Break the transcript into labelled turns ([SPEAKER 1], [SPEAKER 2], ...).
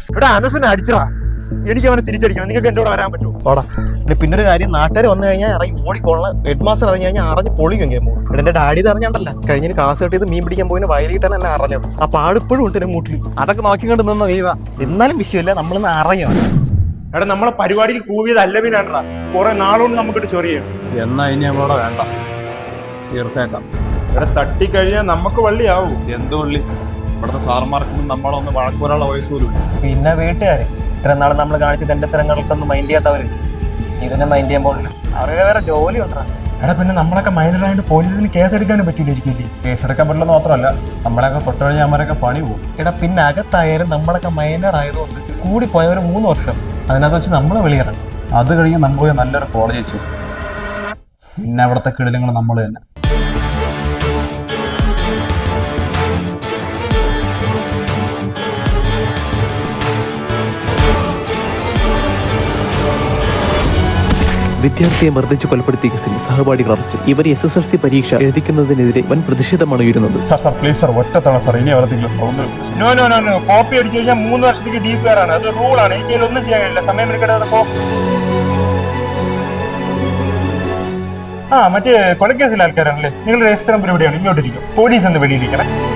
[SPEAKER 1] ഇവിടെ അനസിനെ അടിച്ചടാ. എനിക്ക് അവനെ തിരിച്ചടിക്കണം. നിങ്ങൾക്ക് എന്റെ കൂടെ വരാൻ പറ്റുമോ?
[SPEAKER 2] ഓടാ. പിന്നെ ഒരു കാര്യം, നാട്ടുകാർ വന്നു കഴിഞ്ഞാൽ ഇറങ്ങി ഓടിക്കൊള്ളാം. ഹെഡ് മാസ്റ്റർ ഇറങ്ങി കഴിഞ്ഞാൽ അറിഞ്ഞ് പൊളിക്കും ഗെയിം. ഇവിടെ എന്റെ ഡാഡി ഇത് അറിഞ്ഞാണ്ടല്ല, കഴിഞ്ഞ കാസ് കെട്ടിയത് മീൻ പിടിക്കാൻ പോയിന് വയലിട്ടാണ് എന്നെ അറിഞ്ഞത്. ആ പാടിപ്പോഴും ഉണ്ട് എന്റെ മൂട്ടിൽ. അതൊക്കെ നോക്കിക്കൊണ്ട് നിന്ന നീവ. എന്നാലും വിഷയമില്ല, നമ്മളിന്ന് അറിയാം.
[SPEAKER 1] എടാ നമ്മളെ പരിപാടിക്ക് കൂവിയത് അല്ലവിനാണ്ടാ. കുറെ നാളുകൊണ്ട് നമുക്കിട്ട് ചൊറിയും.
[SPEAKER 3] എന്നാ ഇനി നമ്മളോട് വേണ്ട, തീർത്തേക്കാം.
[SPEAKER 1] ഇവിടെ തട്ടിക്കഴിഞ്ഞാൽ നമുക്ക് വള്ളിയാവും.
[SPEAKER 3] എന്ത് വള്ളി? ഇവിടുത്തെ സാറന്മാർക്കും നമ്മളൊന്ന് വഴക്കൂരാനുള്ള വയസ്സൂരും.
[SPEAKER 2] പിന്നെ വീട്ടുകാര് ഇത്ര നാൾ നമ്മൾ കാണിച്ച തെണ്ടത്തരങ്ങൾക്കൊന്നും മൈൻഡ് ചെയ്യാത്തവര് ഇതിനെ മൈൻഡ് ചെയ്യാൻ പോകില്ല. അവർക്ക് വേറെ ജോലി ഉണ്ടാ.
[SPEAKER 1] എടാ പിന്നെ നമ്മളൊക്കെ മൈനറായിട്ട് പോലീസിന് കേസെടുക്കാനും പറ്റില്ലായിരിക്കും.
[SPEAKER 3] കേസെടുക്കാൻ പറ്റില്ലെന്ന് മാത്രമല്ല, നമ്മളെയൊക്കെ തൊട്ടുകഴിഞ്ഞാൽ അവരൊക്കെ പണി പോകും.
[SPEAKER 2] എടാ പിന്നെ അകത്തായാലും നമ്മളൊക്കെ മൈനർ ആയതുകൊണ്ട് കൂടി പോയ ഒരു 3 വർഷം അതിനകത്ത് വെച്ച് നമ്മളെ വെളിയിറങ്ങും.
[SPEAKER 3] അത് കഴിഞ്ഞ് നമ്മൾ പോയി നല്ലൊരു കോളേജ് ചെയ്തു. പിന്നെ അവിടുത്തെ കിടിലങ്ങൾ നമ്മൾ തന്നെ.
[SPEAKER 4] വിദ്യാർത്ഥിയെ മർദ്ദിച്ച് കൊലപ്പെടുത്തിയ കേസിൽ സഹപാഠികൾ അറസ്റ്റ്. ഇവർ SSLC പരീക്ഷ എഴുതിക്കുന്നതിനെതിരെ വൻ പ്രതിഷേധമാണ് ഉയരുന്നത്.
[SPEAKER 3] സാർ പ്ലീസ് സാർ, ഒറ്റത്തവണ സാർ, ഇനി അവർക്ക് സൗന്ദര്യം.
[SPEAKER 1] നോ കോപ്പി അടിച്ചു കഴിഞ്ഞാൽ 3 വർഷത്തേക്ക് DPR ആണ്. അത് റൂളാണ്. എനിക്ക് ഒന്നും ചെയ്യാൻ കഴിയില്ല. സമയം എടുക്കട്ടെ. മറ്റേ കൊലക്കേസിലെ ആൾക്കാരാണല്ലേ? നിങ്ങൾ രജിസ്റ്റർ നമ്പർ എവിടെയാണ്? ഇങ്ങോട്ടിരിക്കും. പോലീസ് എന്ന് വെളിയിരിക്കണം.